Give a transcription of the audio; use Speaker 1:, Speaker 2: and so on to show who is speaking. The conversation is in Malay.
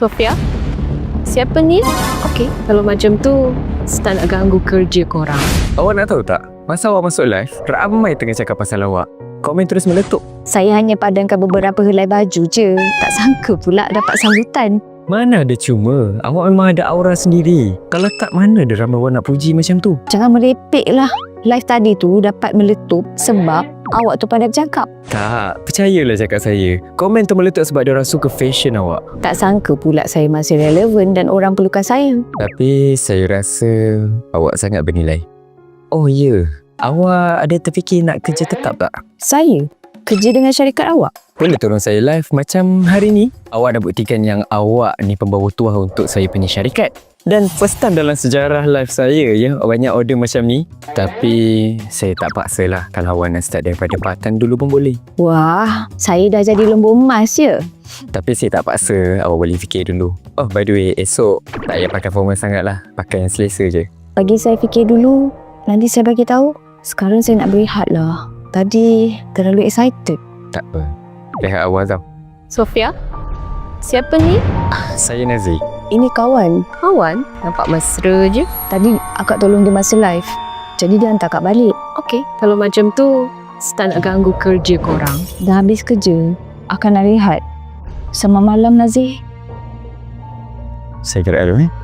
Speaker 1: Sofia? Siapa ni? Okey, kalau macam tu, start nak ganggu kerja korang.
Speaker 2: Awak nak tahu tak? Masa awak masuk live, ramai tengah cakap pasal awak. Komen terus meletup.
Speaker 3: Saya hanya padamkan beberapa helai baju je. Tak sangka pula dapat sambutan.
Speaker 2: Mana ada cuma. Awak memang ada aura sendiri. Kalau tak, mana ada ramai orang nak puji macam tu.
Speaker 3: Jangan merepek lah. Live tadi tu dapat meletup sebab awak tu pandai bercakap.
Speaker 2: Tak, percayalah cakap saya. Komen tu meletup sebab dia orang suka fashion awak.
Speaker 3: Tak sangka pula saya masih relevan dan orang perlukan saya.
Speaker 2: Tapi saya rasa awak sangat bernilai. Oh ya, awak ada terfikir nak kerja tetap tak?
Speaker 3: Saya? Kerja dengan syarikat awak?
Speaker 2: Boleh tolong saya live macam hari ni? Awak dah buktikan yang awak ni pembawa tuah untuk saya punya syarikat. Dan first time dalam sejarah live saya ya, banyak order macam ni. Tapi saya tak paksa lah. Kalau awak nak start daripada part-time dulu pun boleh.
Speaker 3: Wah, saya dah jadi lembu emas je.
Speaker 2: Tapi saya tak paksa, awak boleh fikir dulu. Oh by the way, esok tak payah pakai formal sangat lah. Pakai yang selesa je.
Speaker 3: Bagi saya fikir dulu, nanti saya bagi tahu. Sekarang saya nak berehat lah. Tadi terlalu excited.
Speaker 2: Tak apa, rehat awal tau.
Speaker 1: Sofia? Siapa ni?
Speaker 2: Saya Nazir.
Speaker 3: Ini kawan.
Speaker 1: Kawan? Nampak mesra je.
Speaker 3: Tadi akak tolong dia masa live. Jadi dia hantar akak balik.
Speaker 1: Okey, kalau macam tu, start nak ganggu kerja korang.
Speaker 3: Dah habis kerja, akan nak rehat. Selamat malam Nazir.
Speaker 2: Saya gerak dulu